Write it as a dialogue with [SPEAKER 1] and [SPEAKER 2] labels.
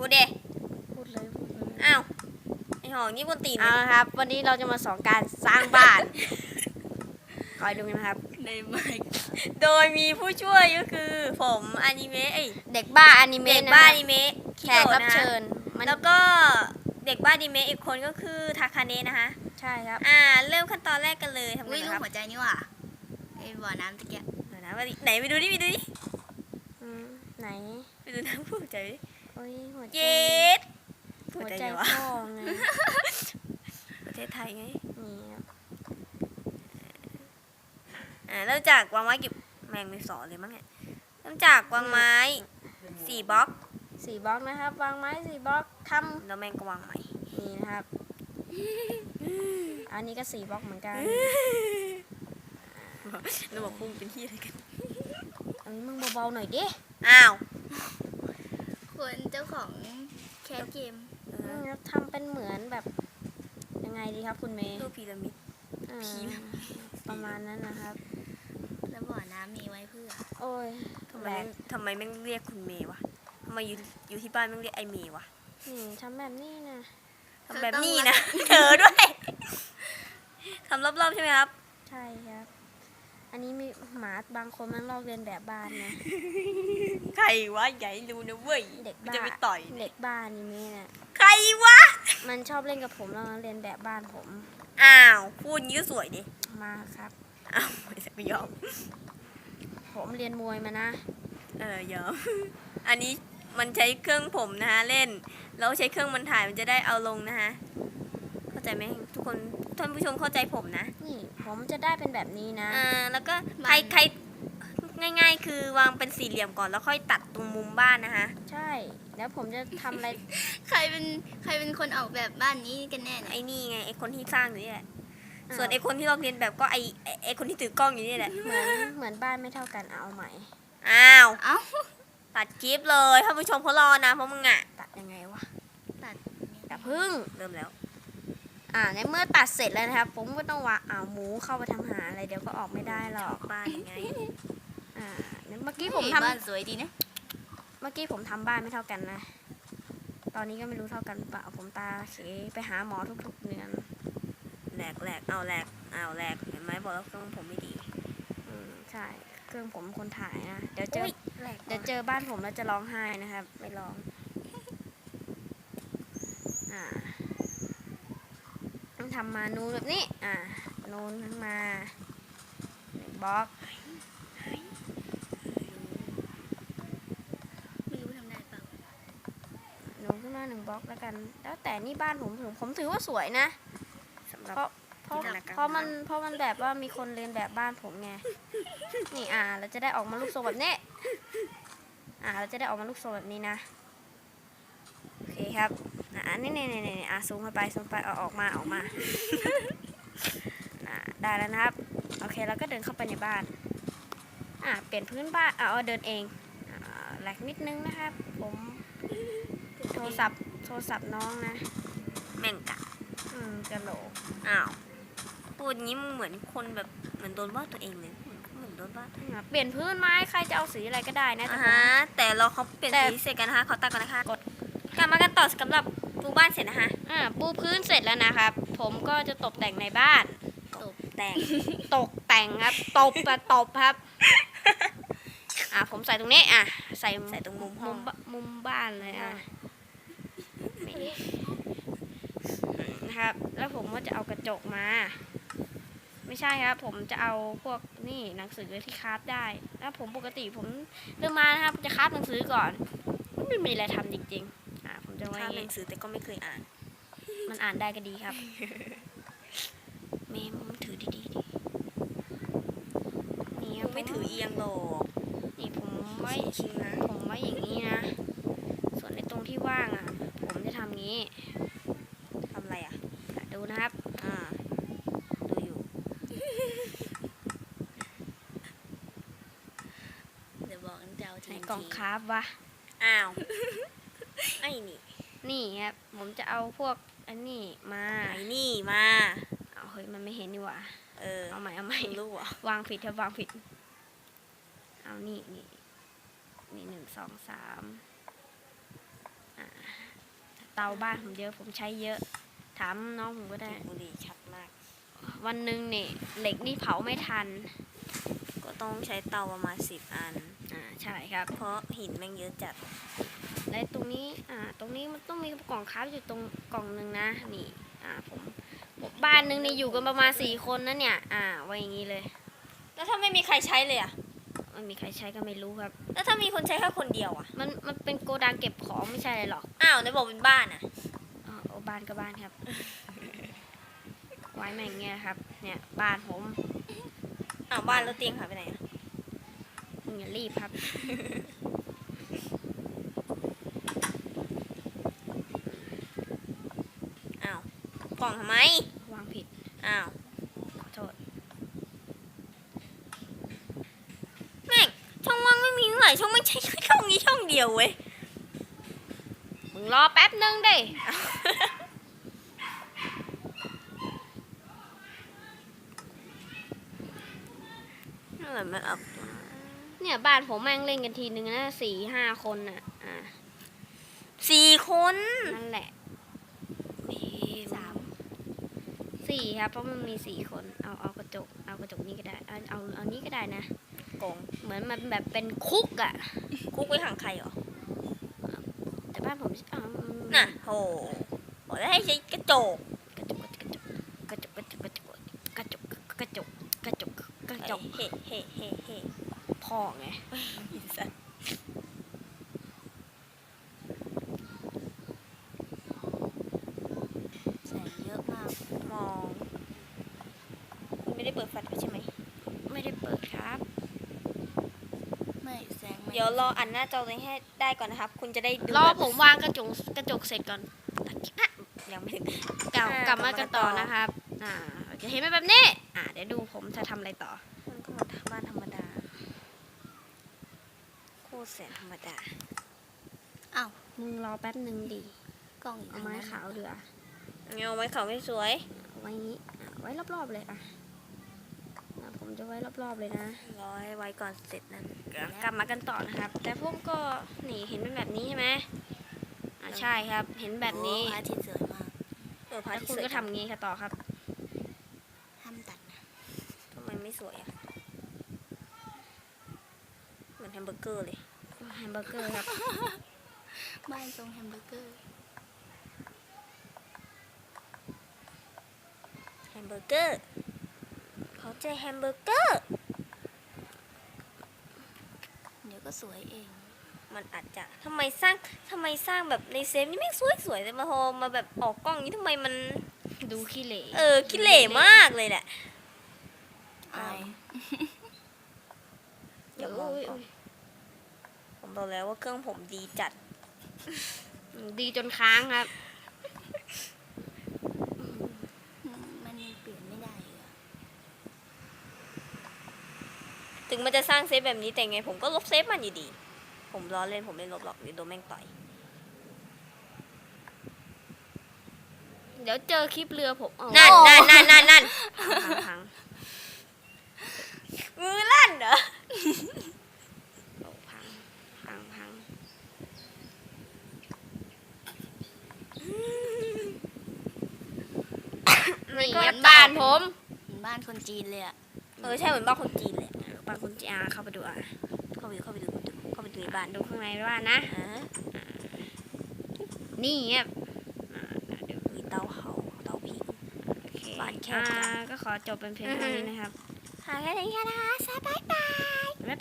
[SPEAKER 1] พูดเด
[SPEAKER 2] พูดเลย
[SPEAKER 1] อ้าวไอหองนี่บนตีน
[SPEAKER 2] เอาครับวันนี้เราจะมาสอนการสร้างบ้านคอยดูนะครับ
[SPEAKER 1] ในไมค์โดยมีผู้ช่วยก็คือผมอนิเมะ
[SPEAKER 2] เด็กบ้าอนิเมะ
[SPEAKER 1] เด็กบ้าอนิเมะ
[SPEAKER 2] แขกรับเชิญ
[SPEAKER 1] แล้วก็เด็กบ้าอนิเมะอีกคนก็คือทาคาเนะนะคะ
[SPEAKER 2] ใช่ครับ
[SPEAKER 1] เริ่มขั้นตอนแรกกันเลยทำไงครับ
[SPEAKER 3] หัวใจนี่ว่ะไอ้บ่อน้ำตะเกียบ
[SPEAKER 1] ไหนไปดูดิ
[SPEAKER 2] ไหน
[SPEAKER 1] ไปดูน้ำหัวใจ
[SPEAKER 2] โอ้ยหัวใจ
[SPEAKER 1] เย็ด
[SPEAKER 2] หัวใจพ่อไง
[SPEAKER 1] ประเทศไทยไง
[SPEAKER 2] นี่ครับ
[SPEAKER 1] เริ่มจากวางไม้กี่แมงมีสอนเลยมั้งเนี่ยเริ่มจากวางไม้4 บล็อก
[SPEAKER 2] 4 บล็อกนะครับวางไม้4 บล็อกทำ
[SPEAKER 1] แล้วแมงก็วางใหม่
[SPEAKER 2] นี่นะครับอันนี้ก็4 บล็อกเหมือนกัน
[SPEAKER 1] เราบอกพุ่งเป็นที่อะไรกัน
[SPEAKER 2] มึงเบาๆหน่อยดิ
[SPEAKER 1] อ้าว
[SPEAKER 3] คนเจ้าของแคสเกม
[SPEAKER 2] ทำเป็นเหมือนแบบยังไงดีครับคุณเมย์
[SPEAKER 1] รูปพีระมิด
[SPEAKER 2] ประมาณนั้นนะครับ
[SPEAKER 3] แล้วบ่อน้ำมีไว้เพื่อ
[SPEAKER 2] โอ้ย
[SPEAKER 1] ทำไมแม่งเรียกคุณเมย์วะทำไมอยู่ที่บ้านแม่งเรียกไอเมย์วะ
[SPEAKER 2] ทำแบบนี้นะ
[SPEAKER 1] ทำแบบนี้นะเธอด้วยทำรอบๆใช่ไหมครับ
[SPEAKER 2] ใช่ครับอันนี้มีหมาบางคนมันลอกเรียนแบบบ้านนะ
[SPEAKER 1] ใครวะใหญ่รู้นะเว้ย
[SPEAKER 2] เด็กบ้า
[SPEAKER 1] จะไปต่อย
[SPEAKER 2] เด็กบ้านนี่มีน่ะ
[SPEAKER 1] ใครวะ
[SPEAKER 2] มันชอบเล่นกับผมแล้วเรียนแบบบ้านผม
[SPEAKER 1] อ้าวพูดงี้ก็สวยดิ
[SPEAKER 2] มาครับ
[SPEAKER 1] อ้าวไม่ยอม
[SPEAKER 2] ผมเรียนมวยมานะ
[SPEAKER 1] ยอมอันนี้มันใช้เครื่องผมนะฮะเล่นแล้วใช้เครื่องมันถ่ายมันจะได้เอาลงนะฮะเข้าใจไหมทุกคนท่านผู้ชมเข้าใจผมนะ
[SPEAKER 2] นี่ผมจะได้เป็นแบบนี้นะ
[SPEAKER 1] แล้วก็ใครง่ายๆคือวางเป็นสี่เหลี่ยมก่อนแล้วค่อยตัดตรงมุมบ้านนะฮะ
[SPEAKER 2] ใช่แล้วผมจะทำอะไร
[SPEAKER 3] ใครเป็นคนออกแบบบ้านนี้กันแน่
[SPEAKER 1] ไอ้นี่ไงไอ้คนที่สร้างอยู่นี่แหละส่วนไอ้คนที่ลอกเรียนแบบก็ไอ้คนที่ถือกล้องอยู่นี่แหละ
[SPEAKER 2] เหมือนบ้านไม่เท่ากันเอาใหม่
[SPEAKER 1] อ้าวตัดคลิปเลยท่านผู้ชมเขารอนะเพราะมึง
[SPEAKER 2] ตัดยังไงวะ
[SPEAKER 1] ตัดพึ่งเริ่มแล้ว
[SPEAKER 2] ในเมื่อตัดเสร็จแล้วนะครับผมก็ต้องวางหมูเข้าไปทำหาอะไรเดี๋ยวก็ออกไม่ได้หรอก
[SPEAKER 1] บ้านยังไง
[SPEAKER 2] เมื่อกี้ผมทำ
[SPEAKER 3] บ้านสวยดีนะ
[SPEAKER 2] เมื่อกี้ผมทำบ้านไม่เท่ากันนะตอนนี้ก็ไม่รู้เท่ากันเปล่าผมตาเขไปหาหมอทุกๆเดือน
[SPEAKER 1] แหลกเห็นไหมบอกแล้วเครื่องผมไม่ดี
[SPEAKER 2] ใช่เครื่องผมคนถ่ายนะเดี๋ยวเจอบ้านผมแล้วจะร้องไห้นะครับไม่ร้องต้องทำมานูนแบบนี้นูนขึ้นมา1 บล็อก
[SPEAKER 3] ไม่รู้ทำได้เปล่า
[SPEAKER 2] นูนขึ้นมา1 บล็อกแล้วกันแล้วแต่นี่บ้านผมถือว่าสวยนะเพราะมันแบบว่ามีคนเรียนแบบบ้านผมไงนี่เราจะได้ออกมาลูกทรงแบบนี้เราจะได้ออกมาลูกทรงแบบนี้นะโอเคครับนี่ซูมเข้าไปเอาออกมาได้แล้วนะครับโอเคแล้วก็เดินเข้าไปในบ้านเปลี่ยนพื้นบ้านเดินเองแหลกนิดนึงนะครับผมโทรศัพท์น้องนะ
[SPEAKER 1] แม่งกะ
[SPEAKER 2] กะโหล
[SPEAKER 1] พูดงี้มึงเหมือนคนแบบเหมือนโดนว่าตัวเองเลยเหมือนโดนว่า
[SPEAKER 2] เปลี่ยนพื้นไม้ใครจะเอาสีอะไรก็ได้นะ
[SPEAKER 1] แต่เราเขาเปลี่ยนสีเสร็จกันนะคะเขาตัดกันนะคะกลับมากันต่อสำหรับปูบ้านเสร็จนะคะ
[SPEAKER 2] ปูพื้นเสร็จแล้วนะครับผมก็จะตกแต่งในบ้าน
[SPEAKER 1] ตกแต่ง
[SPEAKER 2] ครับตบครับผมใส่ตรงนี้ใส่
[SPEAKER 1] ตรง
[SPEAKER 2] มุมบ้านเลยนะครับแล้วผมก็จะเอากระจกมาไม่ใช่ครับผมจะเอาพวกนี่หนังสือที่คราฟได้แล้วผมปกติผมเริ่มมานะครับจะคราฟหนังสือก่อนไม่มีอะไรทำจริงๆผมจะ
[SPEAKER 1] คราฟหนังสือแต่ก็ไม่เคยอ่าน
[SPEAKER 2] มันอ่านได้ก็ดีครับเมมถือดีๆ
[SPEAKER 1] นี่ไม่ถือเอียงหรอก
[SPEAKER 2] นี่ผมไม่อย่างนี้นะส่วนในตรงที่ว่างผมจะทำงี้
[SPEAKER 1] ทำอะไร
[SPEAKER 2] ดูนะครับ
[SPEAKER 1] ดูอยู่
[SPEAKER 3] เดี๋ยวบอกเจ้าที
[SPEAKER 2] กล่องคราฟวะ
[SPEAKER 1] ไอ้
[SPEAKER 2] นี่ครับผมจะเอาพวกอันนี้มา
[SPEAKER 1] เฮ้ย
[SPEAKER 2] มันไม่เห็นนี่หว่าเอาใหม่
[SPEAKER 1] รู้วะ
[SPEAKER 2] วางผิดเอานี่1 2 3 เตาบ้านผมเยอะผมใช้เยอะ ถามน้องผมก็ได้
[SPEAKER 1] บุหรี่ชัดมาก
[SPEAKER 2] วันหนึ่งเนี่ยเหล็กนี่เผาไม่ทัน
[SPEAKER 1] ก็ต้องใช้เตาประมาณ10 อัน
[SPEAKER 2] ใช่ครับ
[SPEAKER 1] เพราะหินแม่งเยอะจัด
[SPEAKER 2] และตรงนี้ตรงนี้มันต้องมีกล่องค้าอยู่ตรงกล่องหนึ่งนะนี่ผมบ้านหนึ่งนี่อยู่กันประมาณ4 คนนะเนี่ยไว้อย่างนี้เลย
[SPEAKER 1] แล้วถ้าไม่มีใครใช้เลยอ่ะ
[SPEAKER 2] ไม่มีใครใช้ก็ไม่รู้ครับ
[SPEAKER 1] แล้วถ้ามีคนใช้แค่คนเดียวอ่ะ
[SPEAKER 2] มันเป็นโกดังเก็บของไม่ใช่อะไรหรอก
[SPEAKER 1] อ้าวไหนบอกเป็นบ้านอ่ะ
[SPEAKER 2] บ้านก็บ้านครับ ไว้แม่งเงี้ยครับ เนี่ยบ้านผม
[SPEAKER 1] อ้าวบ้านแล้วเตียงหายไปไหนอ่ะ
[SPEAKER 2] มึงอย่ารีบครับ
[SPEAKER 1] อ้าวกล่องทำไม
[SPEAKER 2] วางผิด
[SPEAKER 1] อ้าว
[SPEAKER 2] ขอโทษ
[SPEAKER 1] แม่งช่องว่างไม่มีเท่าไหร่ช่องไม่งใช้แค่ช่องนี้ช่องเดียวเว้ย
[SPEAKER 2] มึงรอแป๊บนึงดิ
[SPEAKER 1] นั่นแหละมันเอา
[SPEAKER 2] เนี่ยบ้านผมแม่งเล่นกันทีนึงนะ4-5 คนน่ะ
[SPEAKER 1] 4 คน
[SPEAKER 2] นั่นแหละ 4ครับเพราะมันมี4 คนเอากระจกนี่ก็ได้เอานี้ก็ได้นะ
[SPEAKER 1] กง
[SPEAKER 2] เหมือนมันแบบเป็นคุกอ่ะ
[SPEAKER 1] คุกไว้ขังใครเหรอ
[SPEAKER 2] แต่บ้านผม
[SPEAKER 1] น่ะโหบอกแล้วให้ใช้กระจก
[SPEAKER 2] กระจก
[SPEAKER 1] เฮ้เฮ้เฮ้เฮ้
[SPEAKER 2] พ่อไง
[SPEAKER 1] สัตว์แสงเยอะมากมองคุณไม่ได้เปิดไฟใช่ไหม
[SPEAKER 2] ไม่ได้เปิดครับ
[SPEAKER 3] ไม่แสง
[SPEAKER 1] เดี๋ยวรออันหน้าจอตัวนี้ให้ได้ก่อนนะครับ คุณจะได้ดู
[SPEAKER 2] รอ
[SPEAKER 1] แบบ
[SPEAKER 2] ผมวางกระจกเสร็จก่อน
[SPEAKER 1] ยังไม่ถึง
[SPEAKER 2] กลับมากันต่อนะครับจะเห็นไหมแบบนี้เดี๋ยวดูผมจะทำอะไรต่อ
[SPEAKER 1] มันก็มาบ้านธรรมดาโคตรแสนธรรมดา
[SPEAKER 3] อ้าว
[SPEAKER 2] มึงรอแป๊บหนึ่งดิ
[SPEAKER 3] กล้องอยู่
[SPEAKER 2] เอาไม้ขาวเดือ
[SPEAKER 1] เงาไว้เขาไม่สวย
[SPEAKER 2] ไว้นี้ไว้รอบๆเลยผมจะไว้รอบๆเลยนะ
[SPEAKER 1] รอให้ไว้ก่อนเสร็จนั้น
[SPEAKER 2] กลับมากันต่อนะครับ แต่ผมก็นี่เห็นเป็นแบบนี้ใช่ไหมใช่ครับ เห็นแบบนี้
[SPEAKER 3] พระอาทิตย์สวยมาก
[SPEAKER 1] พระ
[SPEAKER 2] แล้ว
[SPEAKER 1] อาทิต
[SPEAKER 2] คุณ
[SPEAKER 1] ย์สวย
[SPEAKER 2] ก็ทำงี้ค่ะต่อครับ
[SPEAKER 3] ห้ามตัดนะ
[SPEAKER 1] ทำไมไม่สวยอ่ะเหมือนแฮมเบอร์เกอร์เลย
[SPEAKER 2] แฮมเบอร์เกอร์ครับ
[SPEAKER 3] บ้านทรงแฮมเบอร์เกอร์
[SPEAKER 1] แฮมเบอร์เกอร์เขาใจแฮมเบอร์เกอร์
[SPEAKER 3] เดี๋ยวก็สวยเอง
[SPEAKER 1] มันอาจจะทำไมสร้างแบบในเซฟนี่ไม่สวยแต่มาพอมาแบบออกกล้องนี้ทำไมมัน
[SPEAKER 2] ดูขี้เหร่
[SPEAKER 1] ขี้เหร่มากเลยแหละ
[SPEAKER 3] อาย
[SPEAKER 1] อย่ามองก่อนผมบอกแล้วว่าเครื่องผมดีจัด
[SPEAKER 2] ดีจนค้างครับ
[SPEAKER 3] มันเปลี่ยนไม่ได้อะ
[SPEAKER 1] ถึงมันจะสร้างเซฟแบบนี้แต่ไงผมก็ลบเซฟมันอยู่ดี ผมล้อเล่นผมไม่ลบหรอกเดี๋ยวโดนแม่งต่อย
[SPEAKER 2] เดี๋ยวเจอคลิปเรือผม
[SPEAKER 1] นั่น
[SPEAKER 2] พัง
[SPEAKER 1] มือลั่นเหรอ
[SPEAKER 2] พังนี่ครับบ้านผม
[SPEAKER 3] เหมือนบ้านคนจีนเลยอะ
[SPEAKER 1] ใช่เหมือนบ้านคนจีนเลย
[SPEAKER 2] บ้านคุณจีเข้าไปดู
[SPEAKER 1] เข้าไปดูในบ้าน
[SPEAKER 2] ดูข้างในบ้านนะ นี่ครับเดี๋ยว
[SPEAKER 1] มีเตาผิง
[SPEAKER 2] โอเค
[SPEAKER 1] บ้านแคบจัง
[SPEAKER 2] ก็ขอจบเป็นเพลงเท่านี้นะครับ
[SPEAKER 1] หาแค่นี้นะคะบ๊ายบาย